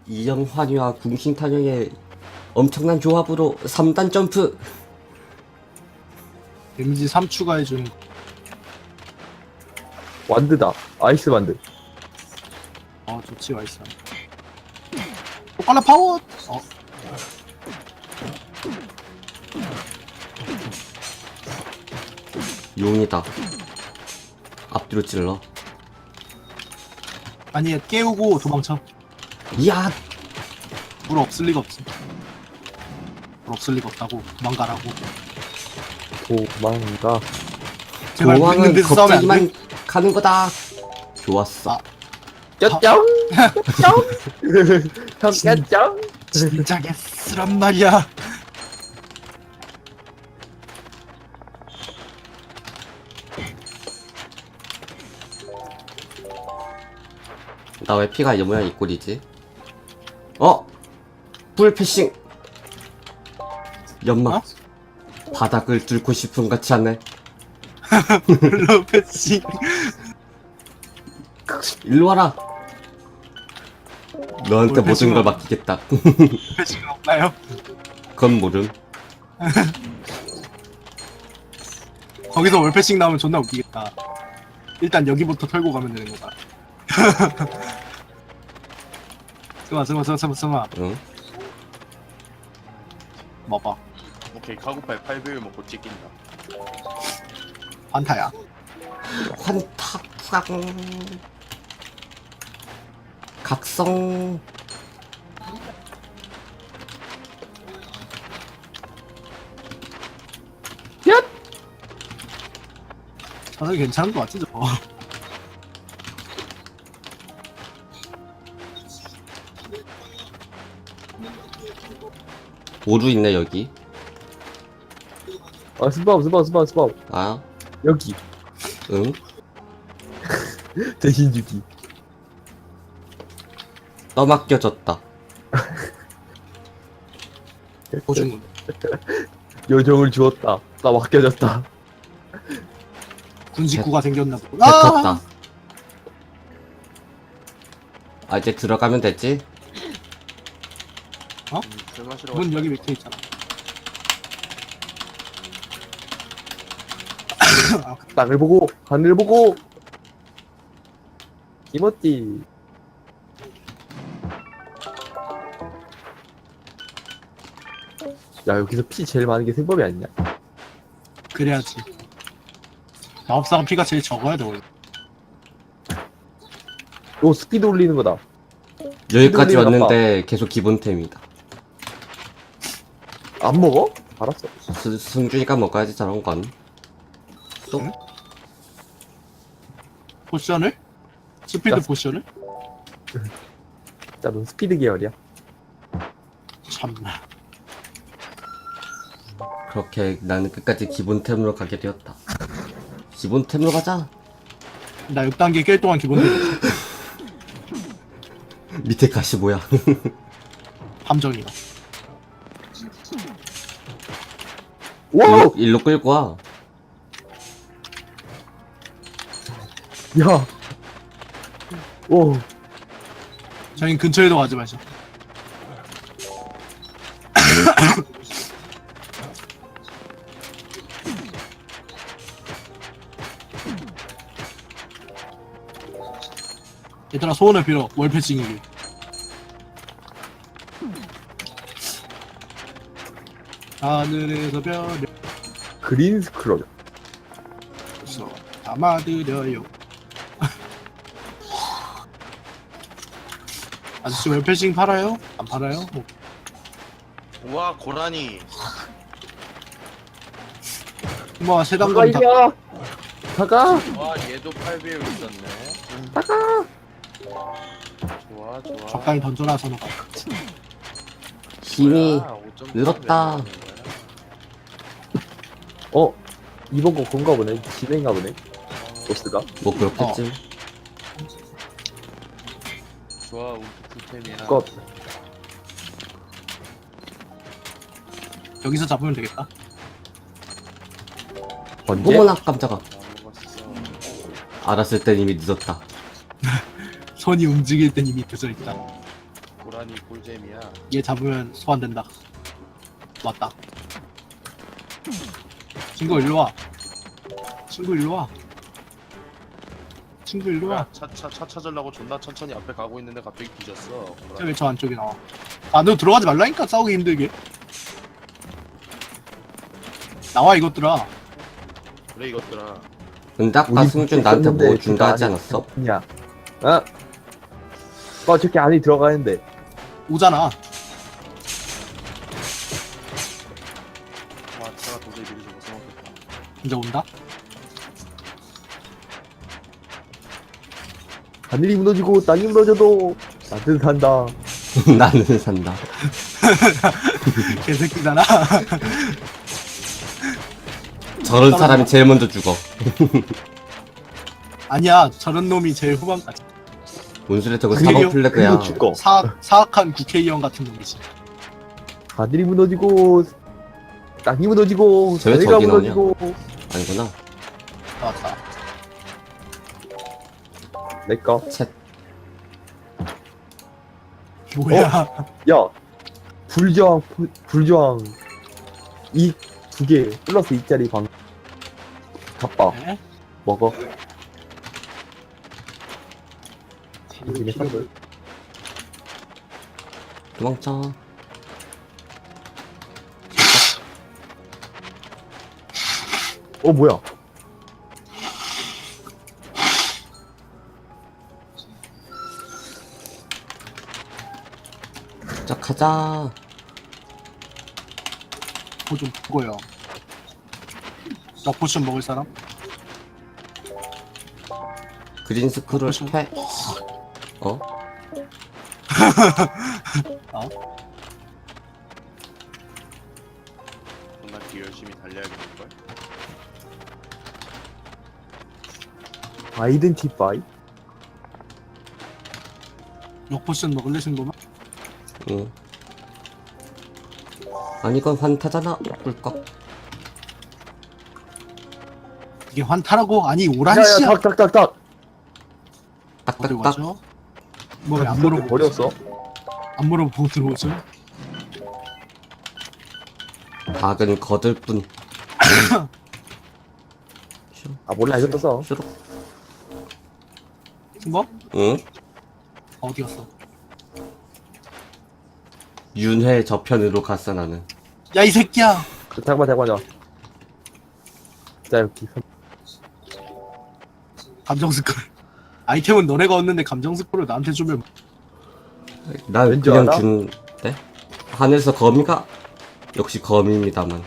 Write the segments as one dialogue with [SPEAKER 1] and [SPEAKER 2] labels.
[SPEAKER 1] 이영환이와 궁신탄영의 엄청난 조합으로 3단 점프.
[SPEAKER 2] 데미지 3 추가해주는 거.
[SPEAKER 3] 완드다. 아이스 완드.
[SPEAKER 2] 좋지 와있어. 빨라 파워.
[SPEAKER 1] 용이다. 앞뒤로 찔러.
[SPEAKER 2] 아니 깨우고 도망쳐.
[SPEAKER 1] 이야.
[SPEAKER 2] 물 없을 리가 없어. 물 없을 리가 없다고. 도망가라고.
[SPEAKER 3] 도망가.
[SPEAKER 2] 제발 물 있는
[SPEAKER 1] 도망은
[SPEAKER 2] 데서 싸우면 안
[SPEAKER 1] 겁쟁이만
[SPEAKER 2] 돼.
[SPEAKER 1] 가는 거다. 좋았어.
[SPEAKER 2] 아.
[SPEAKER 3] 쩌쩌. 쩌. 쩌쩌.
[SPEAKER 2] 진짜 개쓰란 말이야.
[SPEAKER 1] 나 왜 피가 이 모양 이 꼴이지? 어? 불 패싱. 연막.
[SPEAKER 2] 어?
[SPEAKER 1] 바닥을 뚫고 싶은 같지 않네.
[SPEAKER 2] 블루 패치.
[SPEAKER 1] 일로 와라. 너한테
[SPEAKER 2] 뭘
[SPEAKER 1] 모든
[SPEAKER 2] 패싱을
[SPEAKER 1] 걸 맡기겠다.
[SPEAKER 2] 패치가 없나요?
[SPEAKER 1] 그건 모름.
[SPEAKER 2] 거기서 월패싱 나오면 존나 웃기겠다. 일단 여기부터 털고 가면 되는 거다. 스마.
[SPEAKER 1] 응?
[SPEAKER 2] 먹어.
[SPEAKER 4] 오케이 카고파에 8배율 먹고 찍힌다.
[SPEAKER 2] 환타야.
[SPEAKER 1] 환타 각성.
[SPEAKER 2] 저는 괜찮은 거 같지 저거.
[SPEAKER 1] 오류 있네 여기.
[SPEAKER 3] 아 스파우.
[SPEAKER 1] 아,
[SPEAKER 3] 여기.
[SPEAKER 1] 응?
[SPEAKER 3] 대신 주기.
[SPEAKER 1] 떠맡겨졌다.
[SPEAKER 2] 보증금.
[SPEAKER 3] 요정을 주었다. 나 맡겨졌다.
[SPEAKER 2] 군식구가 생겼나 보고.
[SPEAKER 1] 뱉었다. 아 이제 들어가면 됐지?
[SPEAKER 4] 술 마시러
[SPEAKER 2] 문 여기 밑에 있잖아.
[SPEAKER 3] 땅을 보고 하늘 보고. 이모띠. 야 여기서 피 제일 많은 게 생법이 아니냐?
[SPEAKER 2] 그래야지. 마법사가 피가 제일 적어야 돼 원래.
[SPEAKER 3] 오 스피드 올리는 거다.
[SPEAKER 1] 여기까지
[SPEAKER 3] 흔들리는
[SPEAKER 1] 왔는데 계속 기본템이다.
[SPEAKER 3] 안 먹어? 알았어.
[SPEAKER 1] 승준이가 먹어야지 저런 건. 또
[SPEAKER 2] 응? 포션을? 스피드
[SPEAKER 3] 야.
[SPEAKER 2] 포션을?
[SPEAKER 3] 자, 넌 스피드 계열이야.
[SPEAKER 2] 참나.
[SPEAKER 1] 그렇게 나는 끝까지 기본템으로 가게 되었다. 기본템으로 가자.
[SPEAKER 2] 나 6단계 깰 동안 기본
[SPEAKER 1] 밑에 가시 뭐야?
[SPEAKER 2] 함정이다.
[SPEAKER 3] 와우!
[SPEAKER 1] 일로 끌고 와.
[SPEAKER 3] 야! 오,
[SPEAKER 2] 저희 근처에도 가지 마시오. 얘들아 소원을 빌어. 월패싱이기. 하늘에서 별을
[SPEAKER 3] 그린 스크롤.
[SPEAKER 2] 써 담아드려요. 아저씨 월패싱 팔아요? 안 팔아요? 뭐,
[SPEAKER 4] 우와 고라니.
[SPEAKER 2] 뭐
[SPEAKER 3] 가가,
[SPEAKER 2] 세단검 다
[SPEAKER 3] 이리야! 가가!
[SPEAKER 4] 와 얘도 8배율 있었네.
[SPEAKER 3] 가가!
[SPEAKER 4] 좋아.
[SPEAKER 2] 적당히 던져놔서 놓고.
[SPEAKER 1] 힘이
[SPEAKER 4] 뭐야, 5.3
[SPEAKER 1] 늘었다.
[SPEAKER 4] 배율 있는 거야?
[SPEAKER 3] 어? 이번 거 건가 보네. 진행가 보네. 보스가.
[SPEAKER 1] 뭐 그렇겠지.
[SPEAKER 4] 좋아 우리 풀템이야.
[SPEAKER 3] 것.
[SPEAKER 2] 여기서 잡으면 되겠다.
[SPEAKER 3] 언제?
[SPEAKER 1] 어머나 깜짝아.
[SPEAKER 4] 다 먹었어.
[SPEAKER 1] 알았을 땐 이미 늦었다.
[SPEAKER 2] 손이 움직일 땐 이미 늦어 있다.
[SPEAKER 4] 고라니 꿀잼이야.
[SPEAKER 2] 얘 잡으면 소환된다. 왔다. 친구 일로 와. 친구 일로 와. 친구 일로 와.
[SPEAKER 4] 차 찾으려고 존나 천천히 앞에 가고 있는데 갑자기 뒤졌어.
[SPEAKER 2] 왜 저 안쪽에 나와? 아, 너 들어가지 말라니까 싸우기 힘들게. 나와 이것들아.
[SPEAKER 4] 그래 이것들아.
[SPEAKER 1] 근데 아까 승준 나한테 뭐 준다 하지 않았어?
[SPEAKER 3] 야, 어? 저렇게 안에 들어가는데.
[SPEAKER 2] 오잖아.
[SPEAKER 4] 와 차가 도저히 미리 못 써먹겠다.
[SPEAKER 2] 이제 온다.
[SPEAKER 3] 하늘이 무너지고 땅이 무너져도 나는 산다.
[SPEAKER 1] 나는 산다.
[SPEAKER 2] 개새끼잖아.
[SPEAKER 1] 저런 사람이 제일 먼저 죽어.
[SPEAKER 2] 아니야, 저런 놈이 제일 후반까지.
[SPEAKER 1] 뭔 소리야, 저거
[SPEAKER 2] 그리고-
[SPEAKER 1] 사법 플래그야.
[SPEAKER 3] 그리고 죽어.
[SPEAKER 2] 사악한 국회의원 같은 놈이지.
[SPEAKER 3] 하늘이 무너지고 땅이 무너지고
[SPEAKER 1] 쟤왜
[SPEAKER 3] 하늘가
[SPEAKER 1] 저기 나오냐?
[SPEAKER 3] 무너지고.
[SPEAKER 1] 아니구나.
[SPEAKER 2] 나왔다.
[SPEAKER 3] 내꺼.
[SPEAKER 1] 챗.
[SPEAKER 2] 뭐야?
[SPEAKER 3] 야, 불저항 이 두 개 플러스 2짜리 방 갑바
[SPEAKER 2] 에?
[SPEAKER 3] 먹어. 이게 사들.
[SPEAKER 1] 도망쳐.
[SPEAKER 3] 뭐야?
[SPEAKER 1] 자, 가자.
[SPEAKER 2] 뭐좀 그거요. 나 포션 먹을 사람?
[SPEAKER 1] 그린 스크롤
[SPEAKER 2] 무슨-
[SPEAKER 1] 패. 어?
[SPEAKER 4] 존나 뒤 열심히 달려야겠는걸?
[SPEAKER 3] 아이덴티파이?
[SPEAKER 2] 역 포션 먹을래 친구만?
[SPEAKER 1] 응. 아니, 이건 환타잖아. 꿀꺽.
[SPEAKER 2] 이게 환타라고? 아니
[SPEAKER 3] 야야
[SPEAKER 2] 오란씨야.
[SPEAKER 3] 닭닭닭닭.
[SPEAKER 2] 어디
[SPEAKER 1] 딱딱딱.
[SPEAKER 2] 가죠? 뭐 왜 안 물어보고
[SPEAKER 3] 버렸어?
[SPEAKER 2] 안 물어보고 들어오죠?
[SPEAKER 1] 닭은 거들 뿐.
[SPEAKER 3] 아 몰라 이거 떴어.
[SPEAKER 1] 슈룩.
[SPEAKER 2] 친구?
[SPEAKER 1] 응?
[SPEAKER 2] 어디 갔어?
[SPEAKER 1] 윤회 저편으로 갔어, 나는.
[SPEAKER 2] 야 이 새끼야!
[SPEAKER 3] 잠깐만. 자 여기
[SPEAKER 2] 감정 스크롤. 아이템은 너네가 얻는데 감정 스크롤 나한테 주면
[SPEAKER 1] 난
[SPEAKER 3] 왠지
[SPEAKER 1] 그냥
[SPEAKER 3] 알아?
[SPEAKER 1] 준대? 하늘에서 거미가? 역시 거미입니다만.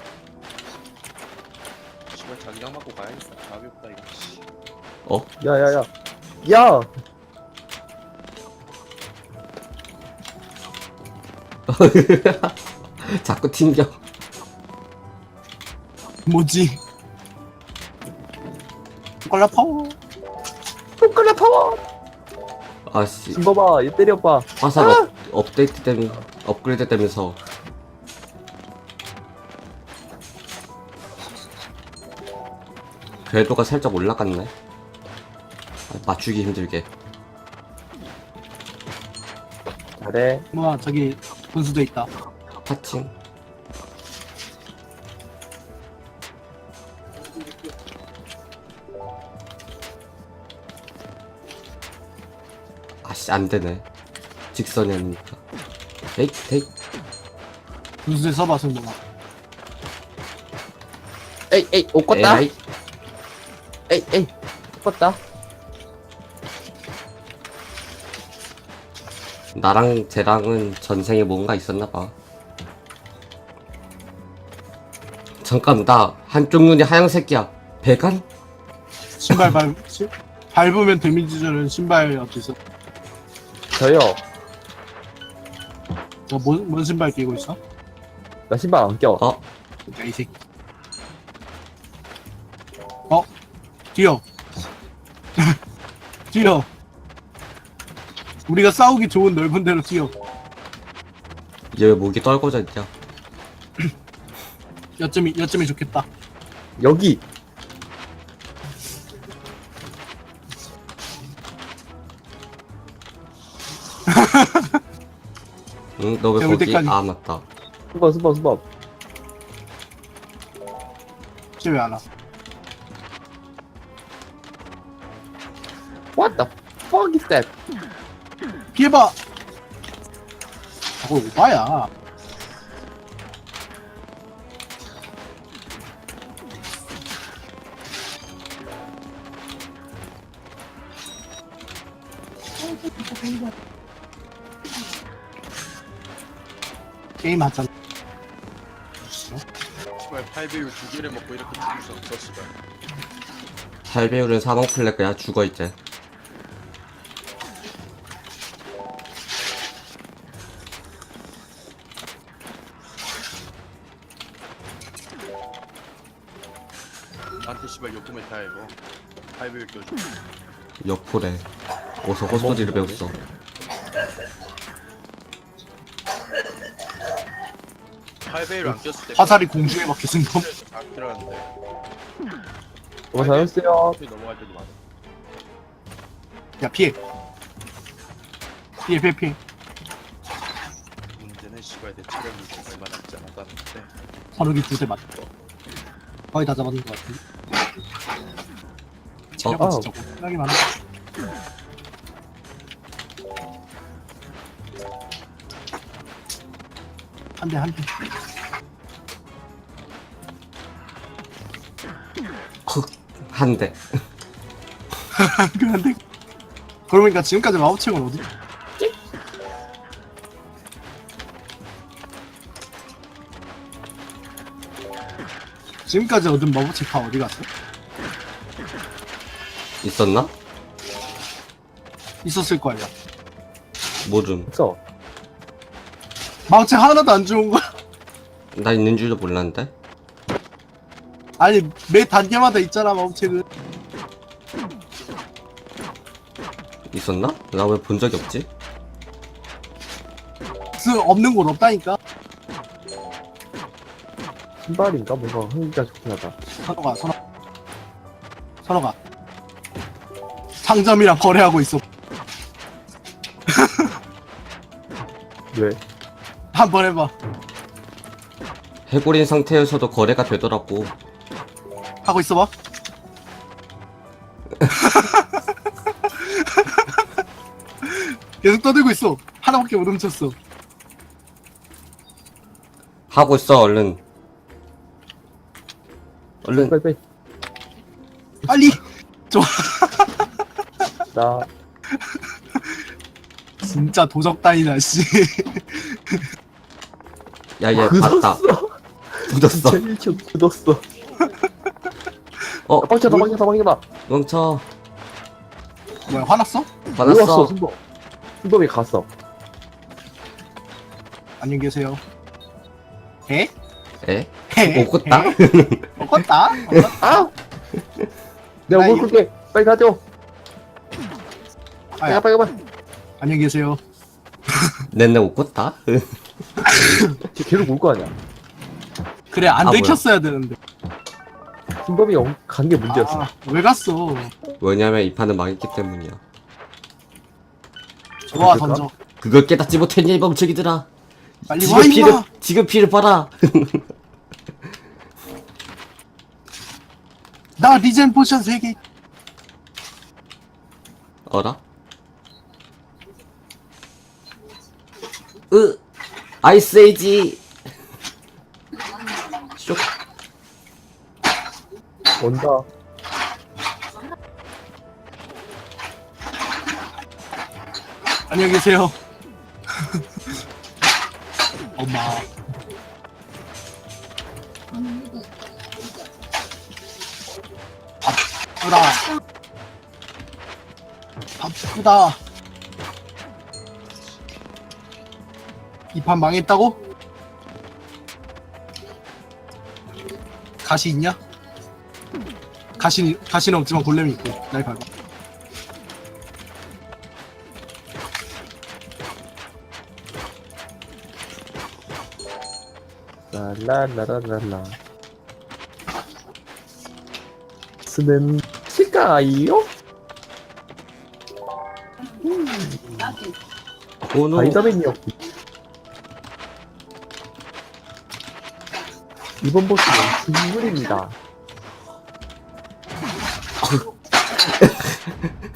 [SPEAKER 4] 씨발 자기장 맞고 가야겠다. 답이 없다 이거. 씨.
[SPEAKER 1] 어?
[SPEAKER 3] 야야야. 야.
[SPEAKER 1] 자꾸 튕겨.
[SPEAKER 2] 뭐지? 꼴라 파워.
[SPEAKER 3] 손가락 파워.
[SPEAKER 1] 아씨.
[SPEAKER 3] 김봐봐 얘 때려봐.
[SPEAKER 1] 화살 업데이트 때문에, 업그레이드 되면서. 궤도가 살짝 올라갔네. 아, 맞추기 힘들게.
[SPEAKER 3] 잘해.
[SPEAKER 2] 뭐야 저기 분수대 있다.
[SPEAKER 1] 파칭. 아씨, 안 되네. 직선이 아니니까. 에이.
[SPEAKER 2] 분수대 써봐 승동아.
[SPEAKER 3] 에이 옷 껐다.
[SPEAKER 1] 에이.
[SPEAKER 3] 에이 껐다.
[SPEAKER 1] 나랑 쟤랑은 전생에 뭔가 있었나봐. 잠깐, 나 한쪽 눈이 하얀색이야. 배간?
[SPEAKER 2] 신발 밟으면 데미지 주는 신발 어디서?
[SPEAKER 3] 저요.
[SPEAKER 2] 너뭔 신발 끼고 있어?
[SPEAKER 3] 나 신발 안 껴.
[SPEAKER 1] 어?
[SPEAKER 2] 야 이 새끼. 뛰어. 뛰어. 우리가 싸우기 좋은 넓은 데로 뛰어.
[SPEAKER 1] 얘 왜 목이 떨궈져 있냐?
[SPEAKER 2] 여점이 좋겠다.
[SPEAKER 3] 여기.
[SPEAKER 1] 응? 너 왜
[SPEAKER 2] 배울
[SPEAKER 1] 거기?
[SPEAKER 2] 때까지.
[SPEAKER 1] 아 맞다.
[SPEAKER 3] 수박.
[SPEAKER 2] 쟤왜 안 와?
[SPEAKER 3] What the fuck is that?
[SPEAKER 2] 피해봐. 저거 오바야. 게임 하잖아.
[SPEAKER 4] 씨발 8배율 2개를 먹고 이렇게 죽을 수 없어 씨발.
[SPEAKER 1] 8배율은 사망 플래그야. 죽어 이제.
[SPEAKER 4] 나한테 씨발 욕구면 다 이거 8배율 껴줘.
[SPEAKER 1] 역포래. 어서 헛소리를 배웠어.
[SPEAKER 4] 팔배율안 꼈을 때
[SPEAKER 2] 화살이 공중에 박혔은 거.
[SPEAKER 4] 다 필요한데
[SPEAKER 3] 잘했어요.
[SPEAKER 4] 넘어갈 때도 많아.
[SPEAKER 2] 야 피해. 피해.
[SPEAKER 4] 문제는 씨발 내 체력이 얼마 남지 않았다는데.
[SPEAKER 2] 화력이 2대 맞. 거의 다 잡았는 것 같은데. 체력은
[SPEAKER 3] 아.
[SPEAKER 2] 진짜 고생하기 많아. 한 대.
[SPEAKER 1] 한 대.
[SPEAKER 2] 그런데 그러니까 지금까지 마법책은 어디? 지금까지 얻은 마법책 다 어디 갔어?
[SPEAKER 1] 있었나?
[SPEAKER 2] 있었을 거야.
[SPEAKER 1] 모름.
[SPEAKER 3] 없어.
[SPEAKER 2] 마법책 하나도 안 좋은 거야.
[SPEAKER 1] 나 있는 줄도 몰랐는데.
[SPEAKER 2] 아니 매 단계마다 있잖아 마법책은.
[SPEAKER 1] 있었나? 나 왜 본 적이 없지?
[SPEAKER 2] 없는 곳 없다니까.
[SPEAKER 3] 신발인가? 뭔가 흥미가 좋긴 하다.
[SPEAKER 2] 선호가 상점이랑 거래하고 있어.
[SPEAKER 3] 왜?
[SPEAKER 2] 한번 해봐.
[SPEAKER 1] 해골인 상태에서도 거래가 되더라고.
[SPEAKER 2] 하고 있어봐. 계속 떠들고 있어. 하나밖에 못 훔쳤어.
[SPEAKER 1] 하고 있어 얼른. 얼른.
[SPEAKER 3] 빨리.
[SPEAKER 2] 빨리.
[SPEAKER 3] 나
[SPEAKER 2] 진짜 도적단이다 씨.
[SPEAKER 1] 야얘 봤다. 굳었어.
[SPEAKER 3] 진짜 1초 굳었어.
[SPEAKER 1] 어
[SPEAKER 3] 방쳐다.
[SPEAKER 1] 멈춰.
[SPEAKER 2] 뭐야 화났어?
[SPEAKER 1] 받았어.
[SPEAKER 3] 순범이 갔어.
[SPEAKER 2] 안녕히 계세요. 에?
[SPEAKER 1] 에?
[SPEAKER 2] 에?
[SPEAKER 1] 먹었다?
[SPEAKER 2] 먹었다?
[SPEAKER 3] 아! 내가
[SPEAKER 2] 나
[SPEAKER 3] 뭘 끌게. 빨리 가죠.
[SPEAKER 2] 아야.
[SPEAKER 3] 빨리.
[SPEAKER 2] 안녕히 계세요.
[SPEAKER 1] 내내 먹었다?
[SPEAKER 3] 쟤 계속 올 거 아니야.
[SPEAKER 2] 그래 안
[SPEAKER 1] 아,
[SPEAKER 2] 들켰어야 되는데.
[SPEAKER 3] 순범이 간 게 문제였어.
[SPEAKER 2] 아, 왜 갔어?
[SPEAKER 1] 왜냐면 이 판은 망했기 때문이야.
[SPEAKER 2] 좋아
[SPEAKER 3] 그럴까?
[SPEAKER 2] 던져.
[SPEAKER 1] 그걸 깨닫지 못했냐 이 멍청이들아.
[SPEAKER 2] 빨리 와 임마.
[SPEAKER 1] 지금 피를 봐라.
[SPEAKER 2] 나 리젠 포션 3개.
[SPEAKER 1] 어라? 아이스 에이지. 쇼.
[SPEAKER 3] 온다.
[SPEAKER 2] 안녕히 계세요. 엄마. 바쁘다. 바쁘다. 이 판 망했다고? 가시 있냐? 가시는 없지만 골렘이 있고 날 밟아.
[SPEAKER 3] 라라라라라. 스는 치가이요?
[SPEAKER 1] 오노.
[SPEAKER 3] 바이다맨이었고. 이번 보스는 진물입니다.